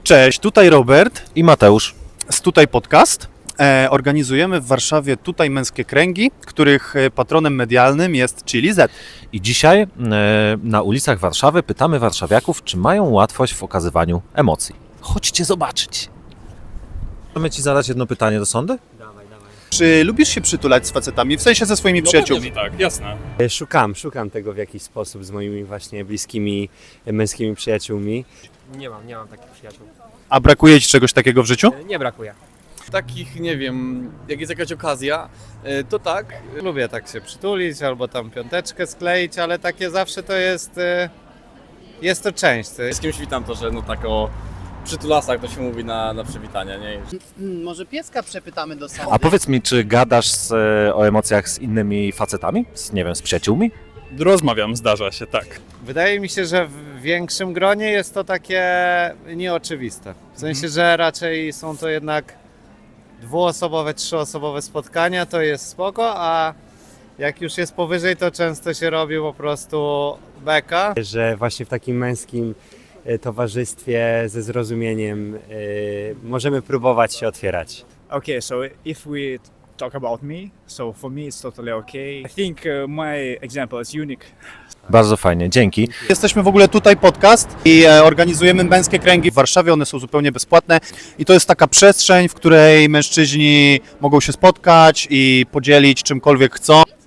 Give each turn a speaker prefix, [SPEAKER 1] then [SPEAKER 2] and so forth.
[SPEAKER 1] Cześć, tutaj Robert
[SPEAKER 2] I Mateusz.
[SPEAKER 1] z Tutaj Podcast. Organizujemy w Warszawie Tutaj Męskie Kręgi, których patronem medialnym jest Chili Z.
[SPEAKER 2] I dzisiaj na ulicach Warszawy pytamy warszawiaków, czy mają łatwość w okazywaniu emocji. Chodźcie zobaczyć. Możemy Ci zadać jedno pytanie do sądy?
[SPEAKER 1] Czy lubisz się przytulać z facetami, w sensie ze swoimi przyjaciółmi?
[SPEAKER 3] Tak, jasne.
[SPEAKER 4] Szukam tego w jakiś sposób z moimi właśnie bliskimi męskimi przyjaciółmi.
[SPEAKER 5] Nie mam takich przyjaciół.
[SPEAKER 1] A brakuje Ci czegoś takiego w życiu?
[SPEAKER 5] Nie brakuje.
[SPEAKER 3] Takich, nie wiem, jak jest jakaś okazja, to tak.
[SPEAKER 6] Lubię tak się przytulić albo tam piąteczkę skleić, ale takie zawsze to jest to część.
[SPEAKER 3] Z kimś witam to, że no tak o przytulasach to się mówi na przywitania, nie?
[SPEAKER 7] Może pieska przepytamy do sądu.
[SPEAKER 2] A powiedz mi, czy gadasz o emocjach z innymi facetami? Nie wiem, z przyjaciółmi?
[SPEAKER 3] Rozmawiam, zdarza się, tak.
[SPEAKER 6] Wydaje mi się, że w większym gronie jest to takie nieoczywiste. W sensie, że raczej są to jednak dwuosobowe, trzyosobowe spotkania, to jest spoko, a jak już jest powyżej, to często się robi po prostu beka.
[SPEAKER 4] Że właśnie w takim męskim towarzystwie ze zrozumieniem możemy próbować się otwierać.
[SPEAKER 8] Okay, so if we talk about me, so for me it's totally okay. I think my example is unique.
[SPEAKER 2] Bardzo fajnie, dzięki.
[SPEAKER 1] Jesteśmy w ogóle Tutaj Podcast i organizujemy Męskie Kręgi w Warszawie, one są zupełnie bezpłatne i to jest taka przestrzeń, w której mężczyźni mogą się spotkać i podzielić czymkolwiek chcą.